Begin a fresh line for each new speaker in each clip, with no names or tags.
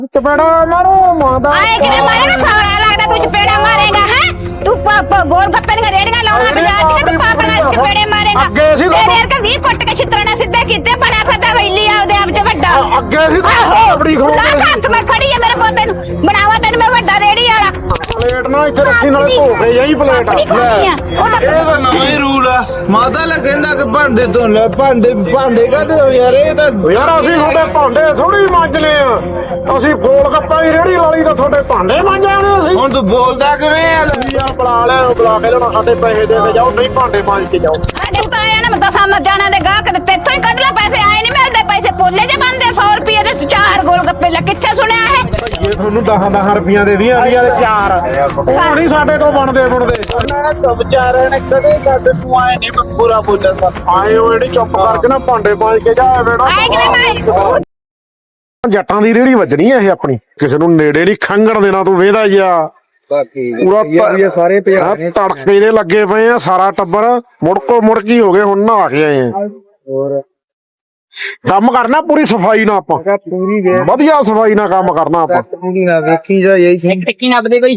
चपेड़ा मारो मादा
आए कि मैं मारेगा सारा लगता तू चपेड़ा मारेगा है तू गोल गप्पे दी रेड़ियां लाउना बाजार च तू पापड़ा चपेड़े मारेगा तेरे वर्गा 20 कुट के छितरना सीधे कीते बना फदा वैली आउदे आप च वड्डा
अगे सी अपनी खो
ला हत्थ मैं खड़ी है मेरे पोते नु बनावा तैਨੂੰ मैं वड्डा रेड़ी वाला
प्लेट ना इथे रखी नाले धो के यही प्लेट
ਇਹ ਤਾਂ ਨਵਾਂ ਹੀ ਰੂਲ ਆ ਮਾਤਾ ਲ ਕਹਿੰਦਾ ਕਿ ਭਾਂਡੇ ਧੋ ਲੈ ਭਾਂਡੇ ਕਾਹਦੇ ਹੋ ਯਾਰ ਇਹ ਤਾਂ
ਯਾਰ ਅਸੀਂ ਤੁਹਾਡੇ ਭਾਂਡੇ ਥੋੜੀ ਮਾਂਜਨੇ ਆ ਅਸੀਂ ਗੋਲ ਗੱਪਾਂ ਦੀ ਰੇੜੀ ਲਾਲੀ ਤਾਂ ਤੁਹਾਡੇ ਭਾਂਡੇ ਮਾਂਜਾਣੇ ਅਸੀਂ
ਹੁਣ ਤੂੰ ਬੋਲਦਾ ਕਿਵੇਂ ਆ
ਆ ਬੁਲਾ ਲੈ ਬੁਲਾ ਕੇ ਲੈਣਾ ਸਾਡੇ ਪੈਸੇ ਦੇ ਕੇ ਜਾਓ ਨਹੀਂ ਭਾਂਡੇ ਮਾਂਜ ਕੇ ਜਾਓ
ਸਾਡੇ ਤਾਂ ਆਇਆ ਨਾ ਮੈਂ ਦਸਾਂ ਮੱਜਾਣਾ ਦੇ ਗਾਹਕ ਤੇ ਇੱਥੋਂ ਹੀ ਕੱਢ ਲੈ ਪੈਸੇ ਆਏ ਨਹੀਂ ਮਿਲਦੇ ਪੈਸੇ ਪੋਲੇ ਜੇ ਬਣਦੇ 100 ਰੁਪਏ ਦੇ 4 ਗੋਲ ਗੱਪੇ ਲੈ ਕਿੱਥੇ ਸੁਣਿਆ ਇਹ
ਇਹ ਤੁਹਾਨੂੰ 10 ਰੁਪਈਆਂ ਦੇ ਦੀਆਂ ਵਾਲੇ 4 ਉਹ ਨਹੀਂ ਸਾਡੇ ਤੋਂ ਬਣਦੇ
ਉਹਨਾਂ ਨੇ ਸਭ ਚਾਰਾਂ ਨੇ ਕਦੇ ਸਾਡੇ ਤੂੰ ਆਏ ਨਹੀਂ ਪੂਰਾ ਬੋਲਿਆ ਸਭ
ਆਏ ਉਹ ਜਿਹੜੀ ਚੁੱਪ ਕਰਕੇ ਨਾ ਭਾਂਡੇ ਮਾਂਜ ਕੇ ਜਾ ਵੇੜਾ
ਆਏ ਕਿਵੇਂ ਮੈਂ
ਜੱਟਾਂ ਦੀ ਰੇੜੀ ਵੱਜਣੀ ਆ ਇਹ ਆਪਣੀ ਕਿਸੇ ਨੂੰ ਨੇੜੇ ਨਹੀਂ ਖੰਗਣ ਦੇਣਾ ਤੂੰ ਵੇਹਦਾ ਜਾ
ਬਾਕੀ
ਪੂਰਾ
ਸਾਰੇ
ਤੜਕੇ ਦੇ ਲੱਗੇ ਪਏ ਆ ਸਾਰਾ ਟੱਬਰ ਮੁੜਕੀ ਹੋ ਗਏ ਹੁਣ ਨਹਾ ਕੇ ਆਏ ਆ
ਹੋਰ
ਕੰਮ ਕਰਨਾ ਪੂਰੀ ਸਫਾਈ ਨਾਲ ਆਪਾਂ
ਪੂਰੀ
ਵਧੀਆ ਸਫਾਈ ਨਾਲ ਕੰਮ ਕਰਨਾ ਆਪਾਂ
ਪੂਰੀ ਨਾ ਵੇਖੀ ਜਾ ਯਹੀ
ਟਿੱਕੀ ਨੱਪਦੇ ਕੋਈ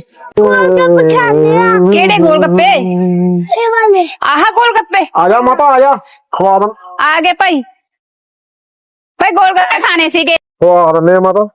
ਕਿਹੜੇ ਗੋਲ ਗੱਪੇ ਇਹ ਵਾਲੇ ਆਹ ਗੋਲ ਗੱਪੇ
ਆ ਜਾ ਮਾਤਾ ਆ ਜਾ ਖਵਾ ਦਾਂ
ਆ ਗਏ ਭਾਈ ਭਾਈ ਗੋਲ ਗੱਪੇ ਖਾਣੇ ਸੀਗੇ
ਖਵਾ ਦਿੰਦੇ ਆ ਮਾਤਾ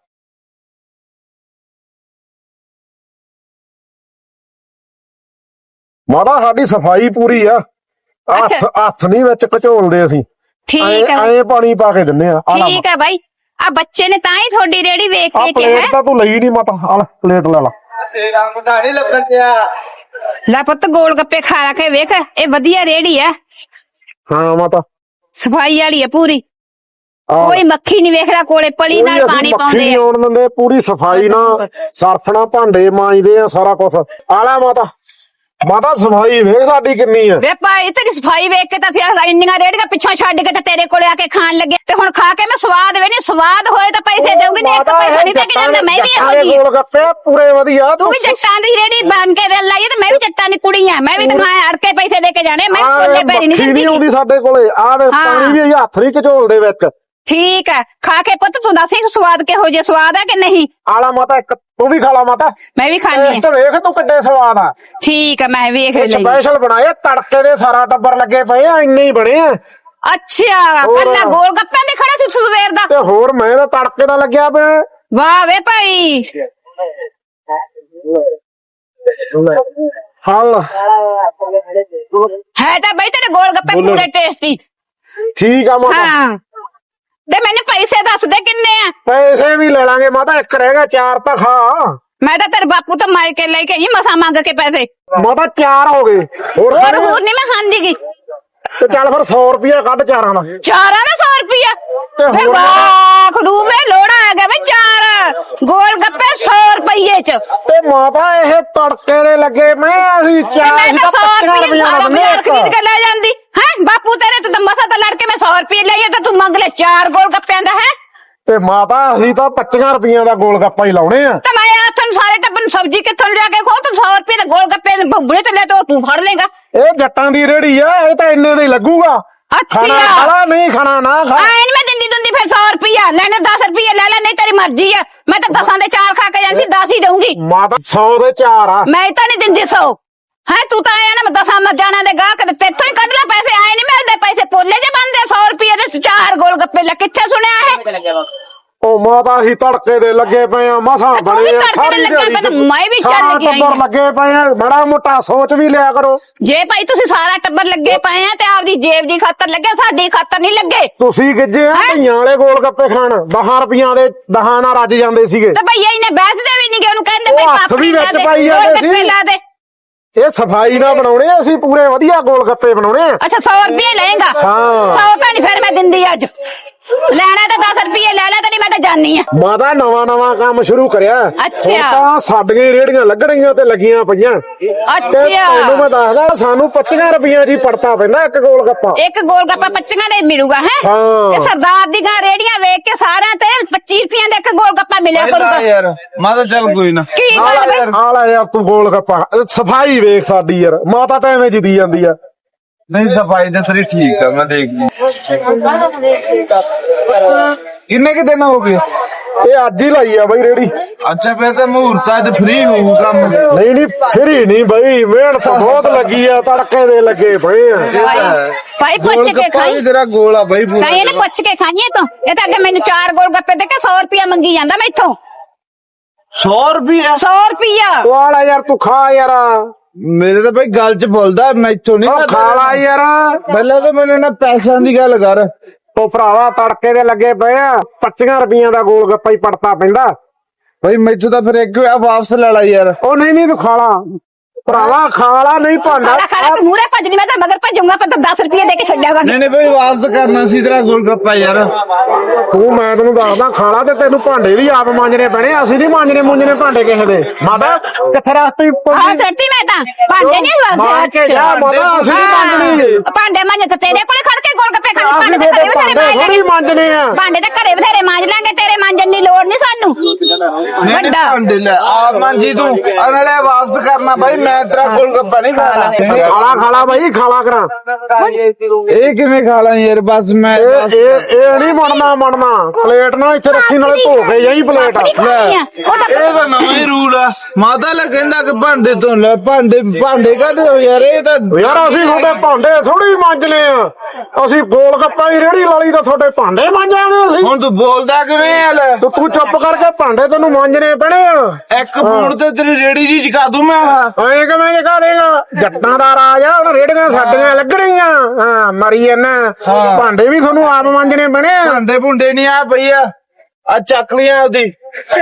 ਮਾਤਾ ਸਾਡੀ ਸਫਾਈ ਪੂਰੀ ਆ ਹੱਥ ਨਹੀਂ ਵਿੱਚ ਘਚੋਲਦੇ ਅਸੀਂ
ਠੀਕ ਹੈ
ਐ ਪਾਣੀ ਪਾ ਕੇ ਦਿੰਨੇ ਆ
ਠੀਕ ਹੈ ਭਾਈ ਆ ਬੱਚੇ ਨੇ ਤਾਂ ਹੀ ਤੁਹਾਡੀ ਰੇੜੀ ਵੇਖ ਕੇ ਕਿਹਾ
ਪਲੇਟ ਤਾਂ ਤੂੰ ਲਈ ਨਹੀਂ ਮਾਤਾ ਆ ਲੈ ਪਲੇਟ ਲੈ ਲਾ
ਮੁੰਡਾ ਨਹੀਂ ਲੱਭਣ ਦਿਆ
ਲੈ ਪੁੱਤ ਗੋਲ ਗੱਪੇ ਖਾ ਕੇ ਵੇਖ ਇਹ ਵਧੀਆ ਰੇੜੀ ਆ
ਹਾਂ ਮਾਤਾ
ਸਫਾਈ ਵਾਲੀ ਆ ਪੂਰੀ ਕੋਈ ਮੱਖੀ ਨਹੀਂ ਵੇਖਦਾ ਕੋਲੇ ਪਲੀ ਨਾਲ ਪਾਣੀ ਪਾਉਂਦੇ ਆ
ਆਉਣ ਦਿੰਦੇ ਪੂਰੀ ਸਫਾਈ ਨਾਲ ਸਰਫ ਨਾਲ ਭਾਂਡੇ ਮਾਂਜਦੇ ਆ ਸਾਰਾ ਕੁਝ ਆ ਲੈ ਮਾਤਾ ਸਫਾਈ ਵੇਖ ਸਾਡੀ ਕਿੰਨੀ ਆ
ਵੇ ਭਾਈ ਤੇਰੀ ਸਫਾਈ ਵੇਖ ਕੇ ਤਾਂ ਅਸੀਂ ਇੰਨੀਆਂ ਰੇੜੀਆਂ ਪਿੱਛੋਂ ਛੱਡ ਕੇ ਤੇ ਤੇਰੇ ਕੋਲੇ ਆ ਕੇ ਖਾਣ ਲੱਗੇ ਤੇ ਹੁਣ ਖਾ ਕੇ ਮੈਂ ਸਵਾਦ ਵੇ ਨਹੀਂ ਸਵਾਦ ਹੋਏ ਤਾਂ ਪੈਸੇ ਦੇਉਂਗੀ ਨਹੀਂ ਇੱਕ ਪੈਸਾ ਨਹੀਂ ਦੇ ਕੇ ਜਾਂਦਾ ਮੈਂ ਵੀ ਇਹੋ ਜਿਹੀ
ਗੋਲ ਗੱਪੇ ਪੂਰੇ ਵਧੀਆ
ਤੂੰ ਵੀ ਜੱਟਾਂ ਦੀ ਰੇੜੀ ਬਣ ਕੇ ਦੇ ਲਾਈ ਤੇ ਮੈਂ ਵੀ ਜੱਟਾਂ ਦੀ ਕੁੜੀ ਆ ਮੈਂ ਵੀ ਤੈਨੂੰ ਅੜ ਕੇ ਪੈਸੇ ਦੇ ਕੇ ਜਾਣੇ ਮੈਂ ਕੋਲੇ ਪੈਰੀ ਨਹੀਂ ਦਿੰਦੀ
ਆਉਂਦੀ ਸਾਡੇ ਕੋਲੇ ਆ ਵੇ ਪਾਣੀ ਵੀ ਹੱਥ ਨਹੀਂ ਘਚੋਲਦੇ ਵਿੱਚ
ਠੀਕ ਹੈ ਖਾ ਕੇ ਪੁੱਤ ਤੂੰ ਦੱਸ ਸਵਾਦ ਕਿਹੋ ਜਿਹਾ ਸਵਾਦ ਹੈ ਕਿ ਨਹੀਂ
ਆਲਾ ਮਾਤਾ ਇੱਕ ਤੂੰ ਵੀ ਖਾ ਲਾ ਮਾਤਾ
ਮੈਂ ਵੀ ਖਾਣੀ
ਟੇਸਟ ਵੇਖ ਤੂੰ ਕਿੱਡੇ ਸਵਾਦ ਆ
ਠੀਕ ਹੈ ਮੈਂ ਵੇਖ ਲਈ
ਸਪੈਸ਼ਲ ਬਣਾਏ ਤੜਕੇ ਦੇ ਸਾਰਾ ਟੱਬਰ ਲੱਗੇ ਪਏ ਆ ਇੰਨੇ ਹੀ ਬਣੇ ਆ
ਅੱਛਾ ਕੱਲਾ ਗੋਲ ਗੱਪਿਆਂ ਦੇ ਖੜਾ ਸੀ ਸਵੇਰ ਦਾ
ਤੇ ਹੋਰ ਮੈਂ ਤਾਂ ਤੜਕੇ ਦਾ ਲੱਗਿਆ ਪਿਆ
ਵਾਹ ਵੇ ਭਾਈ
ਹਲ
ਹੈ ਤਾਂ ਬਈ ਤੇਰੇ ਗੋਲ ਗੱਪੇ ਪੂਰੇ ਟੇਸਟੀ
ਠੀਕ ਆ ਮਾਤਾ
ਹਾਂ ਤੇ ਮੈਨੂੰ ਪੈਸੇ ਦੱਸ ਦੇ ਕਿੰਨੇ ਆ
ਪੈਸੇ ਵੀ ਲੈ ਲਾਂਗੇ ਮਾਤਾ ਇੱਕ ਰਹਿ ਗਿਆ 4 ਤਾਂ ਖਾ
ਮੈਂ ਤਾਂ ਤੇਰੇ ਬਾਪੂ ਤੋਂ ਮਾਰ ਕੇ ਲੈ ਕੇ ਹੀ ਮਸਾ ਮੰਗ ਕੇ ਪੈਸੇ
ਮਾਤਾ 4 ਹੋ ਗਏ ਹੋਰ
ਹੋਰ ਨਹੀਂ ਮੈਂ ਖਾਂਦੀਗੀ
ਤੇ ਚੱਲ ਫਿਰ 100 ਰੁਪਿਆ ਕੱਢ 4 ਦਾ
ਚਾਰਾਂ ਦਾ 100 ਰੁਪਿਆ ਵੇ ਵਾਹ ਖਰੂ ਮੇ ਲੋੜਾ ਆ ਗਿਆ ਵੇ 4 ਗੋਲ ਗੱਪੇ 100 ਰੁਪਏ ਚ
ਤੇ ਮਾਤਾ ਇਹ ਤੜਕੇ ਦੇ ਲੱਗੇ ਮੈਂ ਅਸੀਂ
ਤੇ
ਚਾਹ
ਮੈਂ ਤਾਂ 100 ਰੁਪਏ ਸਾਰਾ
ਮੰਗਨੇ
ਬਾਜ਼ਾਰ ਖਰੀਦ ਕੇ ਲੈ ਜਾਂਦੀ ਹੈ ਬਾਪੂ ਤੇਰੇ ਤੋਂ ਤਾਂ ਮਸਾ ਤਾਂ ਲੜ ਕੇ ਮੈਂ 100 ਰੁਪਏ ਲਈਏ ਤਾਂ ਤੂੰ ਮੰਗ ਲੈ 4 ਗੋਲ ਗੱਪਿਆਂ ਦਾ ਹੈ
ਤੇ ਮਾਤਾ ਅਸੀਂ ਤਾਂ 25 ਰੁਪਈਆਂ ਦਾ ਗੋਲ ਗੱਪਾ ਹੀ ਲਾਉਣੇ ਆ
ਤਾਂ ਮੈਂ ਆ ਤੁਹਾਨੂੰ ਸਾਰੇ ਟੱਬਰ ਨੂੰ ਸਬਜ਼ੀ ਕਿੱਥੋਂ ਲਿਆ ਕੇ ਖੋ ਤੂੰ 100 ਰੁਪਏ ਦੇ ਗੋਲ ਗੱਪੇ ਭੁੱਬੜੇ ਤੇ ਲੈ ਤੇ ਤੂੰ ਫੜ ਲੇਗਾ
ਇਹ ਜੱਟਾਂ ਦੀ ਰੇੜੀ ਆ ਇਹ ਤਾਂ ਇੰਨੇ ਦਾ ਹੀ ਲੱਗੂਗਾ
ਅੱਛਾ
ਖਾਣਾ ਨਹੀਂ ਖਾਣਾ ਨਾ ਖਾ
ਆਏ ਨੀ ਮੈਂ ਦਿੰਦੀ ਦੁੰਦੀ ਫਿਰ 100 ਰੁਪਿਆ ਲੈਣੇ 10 ਰੁਪਏ ਲੈ ਲੈ ਨਹੀਂ ਤੇਰੀ ਮਰਜ਼ੀ ਆ ਮੈਂ ਤਾਂ 10 ਦੇ 4 ਖਾ ਕੇ ਜਾਂਦੀ 10 ਹੀ ਦਊਂਗੀ
ਮਾਤਾ 100 ਦੇ 4 ਆ
ਮੈਂ ਤਾਂ ਨਹੀਂ ਦਿੰਦੀ 100 ਹੈ ਤੂੰ ਤਾਂ ਆਇਆ ਨਾ ਮੈਂ 10 ਮੱਜਾਣਾ ਦੇ ਗਾਹਕ ਤੇ ਇੱਥੋਂ ਹੀ ਕੱਢ ਲੈ ਪੈਸੇ ਆਏ ਨਹੀਂ ਮਿਲਦੇ ਪੈਸੇ ਪੋਲੇ ਜੇ ਬਣਦੇ 100 ਰੁਪਏ ਦੇ 4 ਗੋਲ ਗੱਪੇ ਲੈ ਕਿੱਥੇ ਸੁਣਿਆ ਇਹ
ਉਹ ਮਾਤਾ ਅਸੀਂ ਤੜਕੇ ਦੇ ਲੱਗੇ ਪਏ ਆ ਮਸਾਂ ਬਣੇ ਆ ਸਾਰੀ ਦਿਹਾੜੀ
ਮੈਂ ਵੀ ਚੱਲ ਗਿਆ
ਟੱਬਰ ਲੱਗੇ ਪਏ ਆ ਬੜਾ ਮੋਟਾ ਸੋਚ ਵੀ ਲਿਆ ਕਰੋ
ਜੇ ਭਾਈ ਤੁਸੀਂ ਸਾਰਾ ਟੱਬਰ ਲੱਗੇ ਪਏ ਆ ਤੇ ਆਪਦੀ ਜੇਬ ਦੀ ਖਾਤਰ ਲੱਗੇ ਸਾਡੀ ਖਾਤਰ ਨਹੀਂ ਲੱਗੇ
ਤੁਸੀਂ ਗਿੱਜੇ ਆ ਧੀਆਂ ਵਾਲੇ ਗੋਲ ਗੱਪੇ ਖਾਣ 10 ਰੁਪਈਆਂ ਦੇ 10 ਨਾਲ ਰੱਜ ਜਾਂਦੇ ਸੀਗੇ
ਤੇ ਭਈਆ ਇਹਨੇ ਬੈਸਦੇ ਵੀ ਨਹੀਂ ਗਏ ਉਹਨੂੰ ਕਹਿੰਦੇ ਭਾਈ
ਹੱਥ ਵੀ
ਪਾਪੜੀ ਲਾ
ਵਿੱਚ
ਦੇ
ਪਾਈ
ਗੋਲ
ਜਾਂਦੇ
ਗੱਪੇ
ਸੀ।
ਲਾ ਦੇ
ਇਹ ਸਫਾਈ ਨਾਲ ਬਣਾਉਣੇ ਆ ਅਸੀਂ ਪੂਰੇ ਵਧੀਆ ਗੋਲ ਗੱਪੇ ਬਣਾਉਣੇ ਆ
ਅੱਛਾ 100 ਰੁਪਏ ਲਏਗਾ
ਹਾਂ
100 ਤਾਂ ਨਹੀਂ ਫਿਰ ਮੈਂ ਦਿੰਦੀ ਅੱਜ ਲੈਣਾ ਤਾਂ 10 ਰੁਪਏ ਲੈ ਲੈ ਤੇ ਨਹੀਂ ਮੈਂ ਤਾਂ ਜਾਨੀ ਆ
ਮਾਤਾ ਨਵਾਂ ਕੰਮ ਸ਼ੁਰੂ ਕਰਿਆ
ਅੱਛਾ।
ਹੁਣ ਤਾਂ ਸਾਡੀਆਂ ਰੇੜੀਆਂ ਲੱਗਣੀਆਂ ਤੇ ਲੱਗੀਆਂ ਪਈਆਂ
ਅੱਛਾ
ਤੈਨੂੰ ਮੈਂ ਦੱਸਦਾ ਸਾਨੂੰ 25 ਰੁਪਈਆਂ ਦੀ ਪੜਤਾ ਪੈਂਦਾ ਇੱਕ ਗੋਲ ਗੱਪਾ
ਇੱਕ ਗੋਲ ਗੱਪਾ 25 ਦੇ ਮਿਲੂਗਾ ਹੈ
ਹਾਂ।
ਇਹ ਸਰਦਾਰ ਦੀ ਗਾਂ ਰੇੜੀਆਂ ਵੇਖ ਕੇ ਸਾਰਿਆਂ ਤੇ 25 ਰੁਪਏ ਦਾ ਇੱਕ ਗੋਲ ਗੱਪਾ ਮਿਲਿਆ ਕਰੂਗਾ
ਯਾਰ ਮੈਂ ਤਾਂ ਚੱਲ ਕੋਈ ਨਾ
ਕੀ ਗੱਲ ਵੇ
ਆ ਲੈ ਯਾਰ ਤੂੰ ਗੋਲ ਗੱਪਾ ਸਫਾਈ ਵੇਖ ਸਾਡੀ ਯਾਰ ਮਾਤਾ ਤਾਂ ਐਵੇਂ ਜਿੱਦੀ ਜਾਂਦੀ ਆ
ਨਹੀਂ ਸਫਾਈ ਤੇ ਸਾਰੀ ਠੀਕ ਆ ਮੈਂ ਦੇਖ ਲਈ ਕਿੰਨੇ ਕਿ ਦਿਨ ਹੋ ਗਏ
ਇਹ ਅੱਜ ਹੀ ਲਾਈ ਆ ਬਈ ਰੇੜੀ।
ਅੱਛਾ ਫਿਰ ਤਾਂ ਮਹੂਰਤ ਅੱਜ ਫ੍ਰੀ ਹੋਊ ਕੰਮ।
ਨਹੀਂ ਫਰੀ ਨਹੀਂ ਬਈ, ਮਿਹਨਤ ਬਹੁਤ ਲੱਗੀ ਆ, ਤੜਕੇ ਦੇ ਲੱਗੇ ਪਏ ਆ।
ਭਾਈ ਪੁੱਛ ਕੇ ਖਾਈ,
ਤੇਰਾ ਗੋਲ ਆ ਬਈ ਪੂਰਾ।
ਕਹੀਂ ਇਹਨੇ ਪੁੱਛ ਕੇ ਖਾਈਏ ਤੂੰ। ਇਹ ਤਾਂ ਅੱਗੇ ਮੈਨੂੰ 4 ਗੋਲ ਗੱਪੇ ਦੇ ਕੇ 100 ਰੁਪਇਆ ਮੰਗੀ ਜਾਂਦਾ ਮੈਥੋਂ।
100 ਰੁਪਿਆ
100 ਰੁਪਇਆ
ਵਾਲਾ ਯਾਰ ਤੂੰ ਖਾ ਯਾਰ,
ਮੇਰੇ ਤਾਂ ਬਈ ਗੱਲ ਚ ਬੋਲਦਾ, ਮੈਥੋਂ ਨਹੀਂ
ਉਹ ਖਾ ਲਾ ਯਾਰ।
ਪਹਿਲਾਂ ਤਾਂ ਮੈਨੂੰ ਨਾ ਪੈਸਿਆਂ ਦੀ ਗੱਲ ਕਰ।
ਉਹ ਭਰਾਵਾ ਤੜਕੇ ਦੇ ਲੱਗੇ ਪਏ ਆ, 25 ਰੁਪਈਆਂ ਦਾ ਗੋਲ ਗੱਪਾ ਹੀ ਪੜਤਾ ਪੈਂਦਾ।
ਬਈ ਮੈਥੋਂ ਤਾਂ ਫਿਰ ਇੱਕ ਹੋਇਆ, ਵਾਪਸ ਲੈ ਲਾ ਯਾਰ।
ਉਹ ਨਹੀਂ ਤੂੰ ਖਾ ਲਾ ਭਰਾਵਾ, ਖਾ ਲਾ, ਨਹੀਂ ਭਾਂਡਾ
ਖਾਲਾ ਤੂੰ ਮੂਰੇ ਭੱਜਣੀ, ਮੈਂ ਤਾਂ ਮਗਰ ਭੱਜੂਗਾ, ਪਰ 10 ਰੁਪਏ ਦੇ ਕੇ ਛੱਡਿਆਵਾਂਗੇ।
ਨਹੀਂ ਬਈ ਵਾਪਸ ਕਰਨਾ ਸੀ ਤੇਰਾ ਗੋਲ ਗੱਪਾ ਯਾਰ।
ਤੂੰ ਮੈਂ ਤੈਨੂੰ ਦੱਸਦਾ ਖਾ ਲਾ, ਤੇ ਤੈਨੂੰ ਭਾਂਡੇ ਵੀ ਆਪ ਮਾਂਜਣੇ ਪੈਣੇ, ਅਸੀਂ ਨਹੀਂ ਮਾਂਜਣੇ ਭਾਂਡੇ ਕਿਸੇ ਦੇ। ਮਾਤਾ ਕਿੱਥੇ ਰੱਖਤੀ
ਹਾਂ ਸੱਟੀ, ਮੈਂ ਤਾਂ ਭਾਂਡੇ ਨਹੀਂ
ਮਾਂ ਕੇ ਜਾ ਮਾਤਾ, ਅਸੀਂ ਨਹੀਂ ਮਾਂਜਣੀ।
ਭਾਂਡੇ ਮਾਂਜ ਤਾਂ ਤੇਰੇ ਕੋਲੇ ਖੜ ਕੇ ਗੋਲ ਗੱਪੇ ਖਾਣੇ, ਭਾਂਡੇ ਤਾਂ ਘਰੇ ਬਥੇਰੇ ਮਾਂਜ ਲਾਂਗੇ।
ਮਾਂਜਣੇ ਆ
ਭਾਂਡੇ ਤਾਂ ਘਰੇ ਬਥੇਰੇ ਮਾਂਜ ਲਾਂਗੇ, ਤੇਰੇ ਮਾਂਜਣ ਦੀ ਲੋੜ ਨਹੀਂ ਸਾਨੂੰ। ਵੱਡਾ
ਭਾਂਡੇ ਲੈ ਆ ਮਾਂਜੀ ਤੂੰ, ਨਾਲੇ ਵਾਪਸ ਕਰਨਾ ਬਾਈ, ਮੈਂ ਤੇਰਾ ਗੋਲ ਗੱਪਾ ਨਹੀਂ ਖਾਣਾ।
ਖਾਲਾ ਬਾਈ, ਖਾਲਾ ਕਰਾਂ।
ਇਹ ਕਿਵੇਂ ਖਾ ਲਾਂ ਯਾਰ, ਬਸ ਮੈਂ
ਇਹ ਨਹੀਂ ਮਣਨਾ ਪਲੇਟ ਨਾ ਇੱਥੇ ਰੱਖੀ, ਨਾਲੇ ਧੋ ਕੇ ਜਾਈ ਪਲੇਟ।
ਉਹ ਤਾਂ
ਇਹ ਤਾਂ ਨਵਾਂ ਹੀ ਰੂਲ ਆ। ਮਾਤਾ ਲੈ ਕਹਿੰਦਾ ਕਿ ਭਾਂਡੇ ਤੋਂ ਲੈ, ਭਾਂਡੇ ਕਾਹਦੇ ਹੋ ਯਾਰ, ਇਹ ਤਾਂ
ਯਾਰ ਅਸੀਂ ਤੁਹਾਡੇ ਭਾਂਡੇ ਥੋੜੀ ਮਾਂਜਨੇ ਆ, ਅਸੀਂ ਗੋਲ ਗੱਪਾ ਦੀ ਰੇੜੀ ਲਾਲੀ ਤਾਂ ਤੁਹਾਡੇ ਭਾਂਡੇ ਮਾਂਜਾਂਗੇ ਅਸੀਂ।
ਹੁਣ ਤੂੰ ਬੋਲਦਾ ਕਿਵੇਂ ਆ ਲੈ?
ਤੂੰ ਚੁੱਪ ਕਰਕੇ ਭਾਂਡੇ ਤੈਨੂੰ ਮਾਂਜਣੇ ਪੈਣੇ ਆ।
ਇੱਕ ਫੋਨ ਤੇ ਤੇਰੀ ਰੇੜੀ ਜੀ ਚਕਾ ਦੂੰ ਮੈਂ।
ਐਂ ਕਿਵੇਂ ਜਗਾ ਦੇਗਾ, ਜੱਟਾਂ ਦਾ ਰਾਜ ਆ, ਹੁਣ ਰੇੜੀਆਂ ਸਾਡੀਆਂ ਲੱਗਣੀਆਂ। ਹਾਂ ਮਰੀ ਇਹਨਾਂ, ਭਾਂਡੇ ਵੀ ਤੁਹਾਨੂੰ ਆਪ ਮਾਂਜਣੇ ਪੈਣੇ ਆ।
ਭਾਂਡੇ ਭੁੰਡੇ ਨਹੀਂ ਆ ਪਈ ਆ ਚੱਕ ਲੀਆਂ ਉਹਦੀ।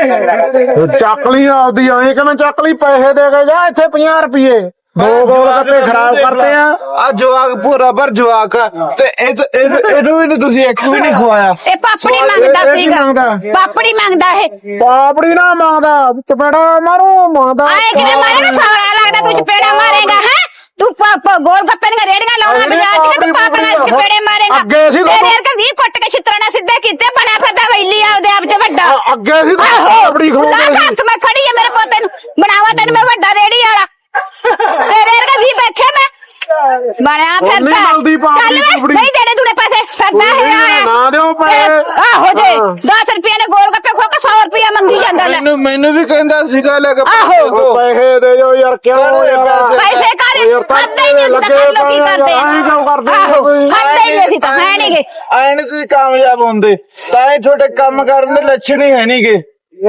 ਚੱਕ ਲਈ ਆਪਦੀ, ਐਂ ਕਿਵੇਂ ਚੱਕ ਲਈ, ਪੈਸੇ ਦੇ ਕੇ ਜਾ, ਇੱਥੇ 50 ਰੁਪਏ ਦੋ ਗੋਲ ਗੱਪੇ ਖਰਾਬ ਕਰਤੇ ਆ
ਜਵਾਕ ਪੂਰਾ ਪਰ ਜਵਾਕ ਆ, ਤੇ ਇਹਨੂੰ ਵੀ ਨਹੀਂ ਤੁਸੀਂ ਇੱਕ ਵੀ ਨਹੀਂ ਖਵਾਇਆ।
ਇਹ ਪਾਪੜੀ ਮੰਗਦਾ
ਇਹ ਕੀ
ਸੀਗਾ,
ਮੰਗਦਾ?
ਪਾਪੜੀ ਮੰਗਦਾ ਇਹ।
ਪਾਪੜੀ ਨਾ ਮੰਗਦਾ, ਚਪੇੜਾ ਮਾਰੂ ਮੰਗਦਾ।
ਆਏ ਕਿਵੇਂ ਮਾਰੇਗਾ, ਸਾਰਾ ਲੱਗਦਾ ਤੂੰ ਚਪੇੜਾ ਮਾਰੇਗਾ ਹੈ। ਤੂੰ ਗੋਲ ਗੱਪੇ ਦੀਆਂ ਰੇੜੀਆਂ ਲਾਉਣਾ ਬਾਜ਼ਾਰ ਚ, ਤੂੰ ਪਾਪੜੀਆਂ ਚਪੇੜੇ ਮਾਰੇਗਾ। ਤੇਰੇ ਵਰਗਾ 20 ਕੁੱਟ ਕੇ ਛਿੱਤਰਾਂ ਨਾਲ ਸਿੱਧੇ ਕੀਤੇ, ਬਣਿਆ ਫਿਰਦਾ ਵੈਲੀ ਆਪਦੇ ਆਪ ਚ ਵੱਡਾ।
ਅੱਗੇ ਸੀ ਪਾਪੜੀ ਖਵਾਉਂਦੇ ਸੀ।
ਮੈਂ ਖੜੀ ਆ, ਮੇਰੇ ਪੋਤੇ ਨੂੰ ਬਣਾਵਾ, ਤੈਨੂੰ ਮੈਂ ਵੱਡਾ ਰੇੜੀ ਵਾਲਾ। ਤੇਰੇ ਵਰਗਾ 20 ਬੈਠੇ ਮੈਂ ਬਣਿਆ ਫਿਰਦਾ। ਚੱਲ ਵੇ, ਨਹੀਂ ਦੇਣੇ ਤੂੰ ਪੈਸੇ, ਫਿਰਦਾ ਹੈ
ਨਾ ਦਿਓ ਪੈਸੇ।
ਆਹੋ ਜੇ 10 ਰੁਪਏ ਨੇ ਗੋਲ ਗੱਪੇ ਖੋ ਕੇ 100 ਰੁਪਇਆ ਮੰਗੀ ਜਾਂਦਾ ਲੈ।
ਮੈਨੂੰ ਵੀ ਕਹਿੰਦਾ ਸੀਗਾ ਲੈ ਕੇ
ਆਹੋ
ਪੈਸੇ ਦੇ ਜੋ ਯਾਰ, ਕਿਉਂ ਯਾਰ
ਪੈਸੇ ਕਰ ਖਾਂਦੇ ਹੀ ਨਹੀਂ, ਅਸੀਂ ਤਾਂ ਕਰ ਲੋ ਕੀ ਕਰਦੇ ਆ। ਆਹੋ ਖਾਂਦੇ ਹੀ ਨਹੀਂ, ਅਸੀਂ ਤਾਂ ਹੈ ਨਹੀਂਗੇ।
ਐਨ ਕੋਈ ਕਾਮਯਾਬ ਹੁੰਦੇ ਤਾਂ ਹੀ ਤੁਹਾਡੇ ਕੰਮ ਕਰਨ ਦੇ ਲੱਛਣ ਹੀ ਹੈ ਨਹੀਂਗੇ।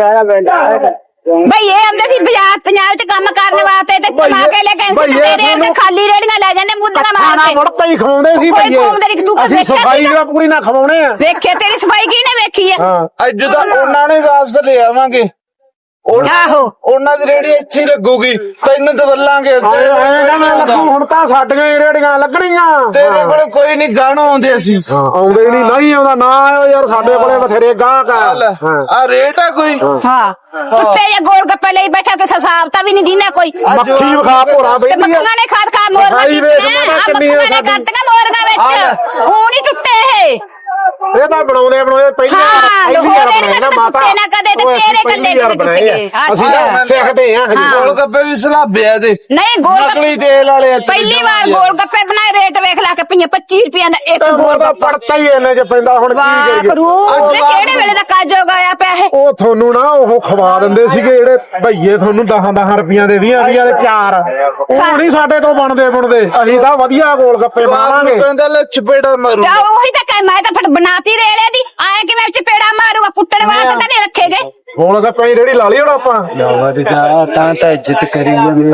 ਬਈ ਇਹ ਆਉਂਦੇ ਸੀ ਪੰਜਾਬ ਚ ਕੰਮ ਕਰਨ ਵਾਸਤੇ, ਤੇ ਕਮਾ ਕੇ ਲੈ ਕੇ ਤੇਰੇ ਅੰਦਰ ਖਾਲੀ ਰੇੜੀਆਂ ਲੈ ਜਾਂਦੇ ਮੁੱਦੀਆਂ ਮਾਰ ਕੇ।
ਮੁੜਤਾ ਹੀ ਖਵਾਉਂਦੇ ਸੀ
ਕੋਈ ਖਵਾਉਂਦੇ ਨਹੀਂ, ਤੂੰ
ਅਸੀਂ
ਵੇਖਿਆ
ਸਫਾਈ
ਸੀਗਾ?
ਪੂਰੀ ਨਾ ਖਵਾਉਣੇ ਆ।
ਵੇਖਿਆ ਤੇਰੀ ਸਫਾਈ ਕਿਹਨੇ ਵੇਖੀ ਆ?
ਅੱਜ ਤਾਂ ਉਹਨਾਂ ਨੇ ਵਾਪਸ ਲੈ ਆਵਾਂਗੇ।
ਆਹੋ
ਉਹਨਾਂ ਦੀ ਰੇੜੀ ਇੱਥੇ ਹੀ ਲੱਗੂਗੀ, ਤੈਨੂੰ ਦਵਲਾਂਗੇ।
ਹੁਣ ਤਾਂ ਸਾਡੀਆਂ ਹੀ ਰੇੜੀਆਂ ਲੱਗਣੀਆਂ।
ਤੇਰੇ ਕੋਲ ਕੋਈ ਨਹੀਂ ਗਾਣੋ ਆਉਂਦੇ ਅਸੀਂ।
ਆਉਂਦੇ ਨਹੀਂ ਆਉਂਦਾ ਨਾ ਆਇਓ ਯਾਰ, ਸਾਡੇ ਕੋਲੇ ਬਥੇਰੇ ਗਾਹਕ ਆ।
ਆ ਰੇਟ ਆ ਕੋਈ।
ਹਾਂ ਟੁੱਟੇ ਜਾਂ ਗੋਲ ਗੱਪੇ ਲਈ ਬੈਠਾ, ਕਿਸੇ ਹਿਸਾਬ ਤਾਂ ਵੀ ਨਹੀਂ ਦਿੰਦਾ ਕੋਈ।
ਮੱਖੀ ਵਿਖਾ ਭੋਰਾ
ਤੇ
ਬੈਠੀ
ਮੱਖੀਆਂ ਨੇ ਖਾ ਮੋਰਗਾ ਮੱਖੀਆਂ ਨੇ ਕਰਤੀਆਂ ਮੋਰਗਾ ਵਿੱਚ, ਹੁਣ ਹੀ ਟੁੱਟੇ ਇਹ।
ਇਹ ਤਾਂ ਬਣਾਉਂਦੇ
ਹਾਂ ਲੋਹਰੇ ਨੇ ਮਾਤਾ ਨਾ ਕਦੇ ਤੇ ਤੇਰੇ ਕੱਲੇ ਨੂੰ ਟੁੱਟ ਗਏ।
ਅਸੀਂ ਸਿੱਖਦੇ ਆ।
ਗੋਲ ਗੱਪੇ ਵੀ ਸਲਾਬਿਆ ਦੇ,
ਨਹੀਂ ਗੋਲ
ਨਕਲੀ ਤੇਲ ਵਾਲੇ।
ਪਹਿਲੀ ਵਾਰ ਗੋਲ ਗੱਪੇ ਬਣਾਏ, ਰੇਟ ਵੇਖ ਲਾ ਕੇ 25 ਰੁਪਈਆਂ ਦਾ ਇੱਕ ਗੋਲ ਗੱਪਾ।
ਪੜਤਾ ਹੀ ਇਹਨੇ ਚ ਪੈਂਦਾ, ਹੁਣ ਕੀ ਕਰੀਏ।
ਵਾਹ ਕਿਹੜੇ ਵੇਲੇ ਦਾ ਕਾਜੋ ਆਇਆ ਪਿਆ ਇਹ।
ਉਹ ਤੁਹਾਨੂੰ ਨਾ ਉਹ ਖਵਾ ਦਿੰਦੇ ਸੀਗੇ ਜਿਹੜੇ ਭਈਏ, ਤੁਹਾਨੂੰ 10 ਰੁਪਈਆਂ ਦੇ ਦੀਆਂ ਦੇ 4। ਉਹ ਨਹੀਂ ਸਾਡੇ ਤੋਂ ਬਣਦੇ ਅਸੀਂ ਤਾਂ ਵਧੀਆ ਗੋਲ ਗੱਪੇ ਬਣਾਵਾਂਗੇ।
ਕਹਿੰਦਾ ਲੈ ਚਪੇੜਾ ਮਾਰੂ।
ਉਹੀ ਤਾਂ ਕਹਿ, ਮੈਂ ਤਾਂ ਫਿਰ ਬਣਾਤੀ ਰੇਲੇ ਦੀ, ਆਏ ਕਿਵੇਂ ਚਪੇੜਾ ਮਾਰੂਗਾ, ਕੁੱਟਣ ਵਾਸਤੇ ਤਾਂ ਨਹੀਂ ਰੱਖੇ ਗਏ।
ਗੋਲ ਗੱਪੇ ਦੀ ਰੇੜੀ ਲਾ ਲਈ ਹੁਣ ਆਪਾਂ।
ਤਾਂ ਇੱਜ਼ਤ ਕਰੀ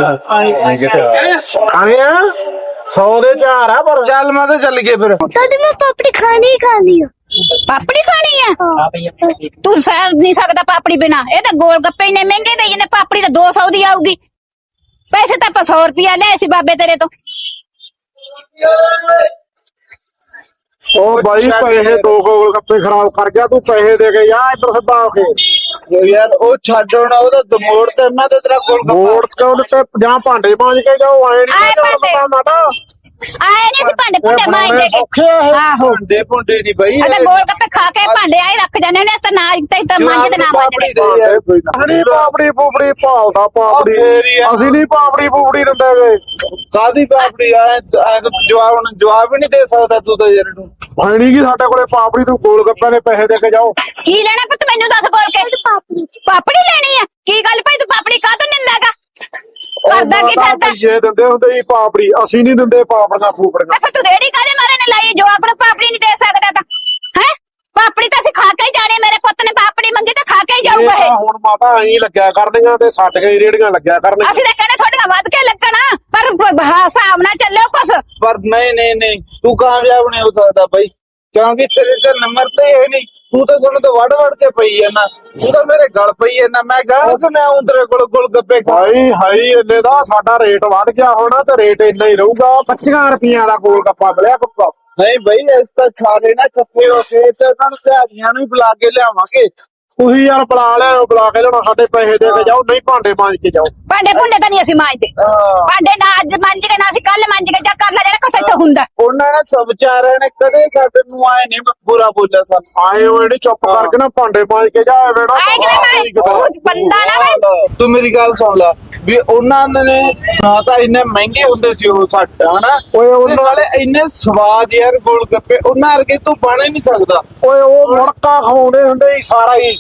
ਆਏ ਆ 100 ਦੇ 4 ਆ ਪਰ।
ਚੱਲ ਮੈਂ ਤਾਂ ਚੱਲ ਗਏ ਫਿਰ।
ਤਦ ਮੈਂ ਪਾਪੜੀ ਖਾਣੀ ਹੀ ਖਾਣੀ ਆ।
ਪਾਪੜੀ ਖਾਣੀ ਆ? ਤੂੰ ਸਹਿ ਨਹੀਂ ਸਕਦਾ ਪਾਪੜੀ ਬਿਨਾ। ਇਹ ਤਾਂ ਗੋਲ ਗੱਪੇ ਇੰਨੇ ਮਹਿੰਗੇ ਦੇ ਜਾਂਦੇ, ਪਾਪੜੀ ਤਾਂ 200 ਦੀ ਆਊਗੀ। ਪੈਸੇ ਤਾਂ ਆਪਾਂ 100 ਰੁਪਇਆ ਲਿਆ ਸੀ ਬਾਬੇ ਤੇਰੇ ਤੋਂ।
ਉਹ ਬਾਈ ਪੈਸੇ 2 ਗੋਲ ਗੱਪੇ ਖਰਾਬ ਕਰ ਗਿਆ, ਤੂੰ ਪੈਸੇ ਦੇ ਕੇ ਜਾ ਇੱਧਰ ਸਿੱਧਾ ਹੋ ਕੇ।
ਯਾਰ ਉਹ ਛੱਡ ਹੁਣ, ਉਹਦਾ ਦਮੋੜ ਤੇ ਮੈਂ ਤੇ ਤੇਰਾ ਗੋਲ ਗੱਪਾ।
ਮੋੜ ਕਿਉਂ ਦਿੱਤੇ, ਜਾਂ ਭਾਂਡੇ ਮਾਂਜ ਕੇ ਜਾਓ। ਆਏ ਨਹੀਂ ਮਾਤਾ,
ਆਏ ਨਹੀਂ ਸੀ ਭਾਂਡੇ ਭੁੰਡੇ ਮਾਂਜਦੇ ਕੇ। ਆਹੋ
ਭਾਂਡੇ ਭੁੰਡੇ ਨਹੀਂ ਬਈ,
ਅਗਰ ਗੋਲ ਗੱਪੇ ਖਾ ਕੇ ਭਾਂਡੇ ਆਏ ਰੱਖ ਜਾਂਦੇ ਨੇ ਤਾਂ ਨਾ ਤੇ ਮੰਜਦੇ ਨਾ ਮੰਜਦੇ
ਹਣੀ ਪਾਪੜੀ ਪੂਪੜੀ ਭਾਲਦਾ ਪਾਪੜੀ ਅਸੀਂ ਨਹੀਂ ਪਾਪੜੀ ਪੂਪੜੀ ਦਿੰਦੇ ਵੇ
ਕਾਦੀ ਪਾਪੜੀ ਆ ਜਵਾਬ ਹੀ ਨਹੀਂ ਦੇ ਸਕਦਾ ਤੂੰ ਤਾਂ ਯਾਰ ਨੂੰ
ਹਣੀ ਕੀ ਸਾਡੇ ਕੋਲੇ ਪਾਪੜੀ ਤੂੰ ਗੋਲ ਗੱਪਿਆਂ ਦੇ ਪੈਸੇ ਦੇ ਕੇ ਜਾਓ
ਕੀ ਲੈਣਾ ਪੁੱਤ ਮੈਨੂੰ ਦੱਸ ਬੋਲ ਕੇ ਪਾਪੜੀ ਲੈਣੀ ਆ ਕੀ ਗੱਲ ਭਾਈ ਤੂੰ ਪਾਪੜੀ ਕਾਹ ਤੋਂ ਨਿੰਦਾਗਾ ਕਰਦਾ ਕੀ ਫਿਰਦਾ
ਇਹ ਦਿੰਦੇ ਹੁੰਦੇ ਸੀ ਪਾਪੜੀ ਅਸੀਂ ਨਹੀਂ ਦਿੰਦੇ ਪਾਪੜੀਆਂ ਫੂਪੜੀਆਂ
ਫਿਰ ਤੂੰ ਰੇੜੀ ਕਾਹਦੇ ਮਾਰੇ ਨੇ ਲਾਈ ਜਵਾਕ ਨੂੰ ਪਾਪੜੀ ਨਹੀਂ ਦੇ ਸਕਦਾ ਤਾਂ ਹੈ ਪਾਪੜੀ ਤਾਂ ਅਸੀਂ ਖਾ ਕੇ ਹੀ ਜਾਣੀ ਮੇਰੇ ਪੁੱਤ ਨੇ ਪਾਪੜੀ ਮੰਗੀ ਤਾਂ ਖਾ ਕੇ ਹੀ ਜਾਊਗਾ ਇਹ
ਹੁਣ ਮਾਤਾ ਐਂ ਲੱਗਿਆ ਕਰਨੀਆਂ ਤੇ ਸੱਟ ਗਈ ਰੇੜੀਆਂ ਲੱਗਿਆ ਕਰਨੀਆਂ
ਅਸੀਂ ਤਾਂ ਕਹਿੰਦੇ ਤੁਹਾਡੀਆਂ ਵੱਧ ਕੇ ਲੱਗਣਾ ਪਰ ਹਿਸਾਬ ਨਾਲ ਚੱਲਿਓ ਕੁਛ
ਪਰ ਨਹੀਂ ਤੂੰ ਕਾਮਯਾਬ ਨਹੀਂ ਹੋ ਸਕਦਾ ਬਈ ਕਿਉਂਕਿ ਤੇਰੇ ਤੇ ਨੰਬਰ ਤੇ ਇਹ ਨਹੀਂ ਤੂੰ ਤਾਂ ਸਾਨੂੰ ਤਾਂ ਵੜ ਕੇ ਪਈ ਐ ਨਾ ਤੂੰ ਤਾਂ ਮੇਰੇ ਗਲ ਪਈ ਐ ਨਾ ਮੈਂ ਕਹਾਂ ਕਿ ਮੈਂ ਆਉਂ ਤੇਰੇ ਕੋਲ ਗੋਲ ਗੱਪੇ
ਹਾਈ ਇੰਨੇ ਦਾ ਸਾਡਾ ਰੇਟ ਵੱਧ ਗਿਆ ਹੋਣਾ ਤੇ ਰੇਟ ਇੰਨਾ ਹੀ ਰਹੂਗਾ 25 ਰੁਪਈਆਂ ਦਾ ਗੋਲ ਗੱਪਾ ਮਿਲਿਆ ਪੱਕਾ
ਨਹੀਂ ਬਈ ਇਸ ਤਾਂ ਸਾਰੇ ਨਾ ਕੱਪੇ ਹੋ ਕੇ ਤੇ ਉਹਨਾਂ ਨੂੰ ਸਿਆਦੀਆਂ ਨੂੰ ਹੀ ਬੁਲਾ ਕੇ ਲਿਆਵਾਂਗੇ
ਤੁਸੀਂ ਯਾਰ ਬੁਲਾ ਕੇ ਲਿਆਉਣਾ ਸਾਡੇ ਪੈਸੇ ਦੇ ਕੇ ਜਾਓ ਨਹੀਂ ਭਾਂਡੇ ਮਾਂਜ ਕੇ ਜਾਓ
ਭਾਂਡੇ ਭੁੰਡੇ ਤਾਂ ਨਹੀਂ ਅਸੀਂ ਮਾਂਜਦੇ ਭਾਂਡੇ ਨਾ ਅੱਜ ਮਾਂਜ ਕੇ ਨਾ ਅਸੀਂ ਕੱਲ ਮਾਂਜ ਕੇ ਜਾ ਕਰ ਲੈ ਜਿਹੜਾ ਕੁਛ ਇੱਥੇ ਹੁੰਦਾ
ਉਹਨਾਂ ਨੇ ਸਭ ਵਿਚਾਰਿਆਂ ਨੇ ਕਦੇ ਸਾਡੇ ਨੂੰ ਆਏ ਨਹੀਂ ਬੁਰਾ ਬੋਲਿਆ ਸਾਨੂੰ
ਆਏ ਹੋਏ ਨੀ ਚੁੱਪ ਕਰਕੇ ਨਾ ਭਾਂਡੇ ਮਾਂਜ ਕੇ ਜਾ ਵੇੜਾ
ਆਏ ਕਿਵੇਂ ਮੈਂ ਬੰਦਾ ਨਾ ਵੇ
ਤੂੰ ਮੇਰੀ ਗੱਲ ਸੁਣ ਲੈ ਵੀ ਉਹਨਾਂ ਨੇ ਨਾ ਤਾਂ ਇੰਨੇ ਮਹਿੰਗੇ ਹੁੰਦੇ ਸੀ ਉਹ ਸੱਟ ਹਨਾ
ਓਏ
ਤੇ
ਉਹਨਾਂ
ਨਾਲੇ ਇੰਨੇ ਸਵਾਦ ਯਾਰ ਗੋਲ ਗੱਪੇ ਉਹਨਾਂ ਵਰਗੇ ਤੂੰ ਬਣ ਹੀ ਨਹੀਂ ਸਕਦਾ
ਓਏ ਉਹ ਮੁੜਕਾ ਖਵਾਉਂਦੇ ਹੁੰਦੇ ਸੀ ਸਾਰਾ ਹੀ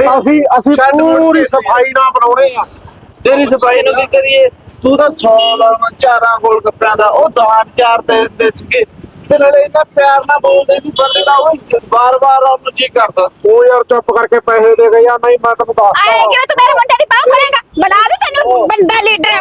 ਅਸੀਂ
ਛੱਡ ਮੁੜ
ਪੂਰੀ
ਕੇ
ਸਫਾਈ ਨਾਲ ਬਣਾਉਣੇ ਆ
ਤੇਰੀ ਸਫਾਈ ਨੂੰ ਕੀ ਕਰੀਏ ਤੂੰ ਤਾਂ 100 ਲਾਉਣਾ 4 ਗੋਲ ਗੱਪਿਆਂ ਦਾ ਉਹ 4 ਦੇ ਸੀਗੇ ਤੇ ਨਾਲੇ ਇੰਨਾ ਪਿਆਰ ਨਾਲ ਬੋਲਦੇ ਸੀ ਬੰਦੇ ਦਾ ਉਹ ਬਾਰ-ਬਾਰ ਉਹਨੂੰ ਜੀ ਕਰਦਾ
ਉਹ ਯਾਰ ਚੁੱਪ ਕਰਕੇ ਪੈਸੇ ਦੇ ਗਏ ਆ ਨਹੀਂ ਮੈਂ ਤੈਨੂੰ ਦੱਸਦਾ
ਆਏ ਕਿਵੇਂ ਤੂੰ ਮੇਰੇ ਮੁੰਡੇ ਦੀ ਬਾਹ ਫੜੇਗਾ ਬਣਾ ਦੇ ਤੈਨੂੰ ਬੰਦਾ ਲੀਡਰ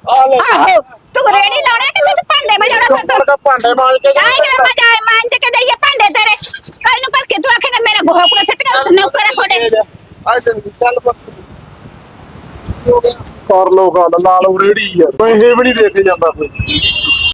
ਆਹੋ ਤੂੰ ਰੇੜੀ ਲਾਉਣਾ ਕਿ ਤੂੰ ਭਾਂਡੇ ਵਜਾਉਣਾ
ਚੁੱਪ ਕਰਕੇ ਭਾਂਡੇ ਮਾਂਜ ਕੇ
ਆਏ ਕਿਵੇਂ ਮਜਾ ਆਏ ਮਾਂਜ ਕੇ ਦਈਏ ਭਾਂਡੇ ਤੇਰੇ ਕੱਲ ਨੂੰ ਭਰ ਕੇ ਤੂੰ ਆਖੇਗਾ ਮੇਰਾ ਗੋਹਾ ਕੋਲ ਸਿੱਟ ਕੇ ਨੌਕਰ ਤੁਹਾਡੇ
ਆ ਚੱਲ
ਕਰ ਲੋ ਗੱਲ ਲਾ ਲਓ ਰੇੜੀ ਆ ਪੈਸੇ ਵੀ ਨਹੀਂ ਦੇ ਕੇ ਜਾਂਦਾ ਕੋਈ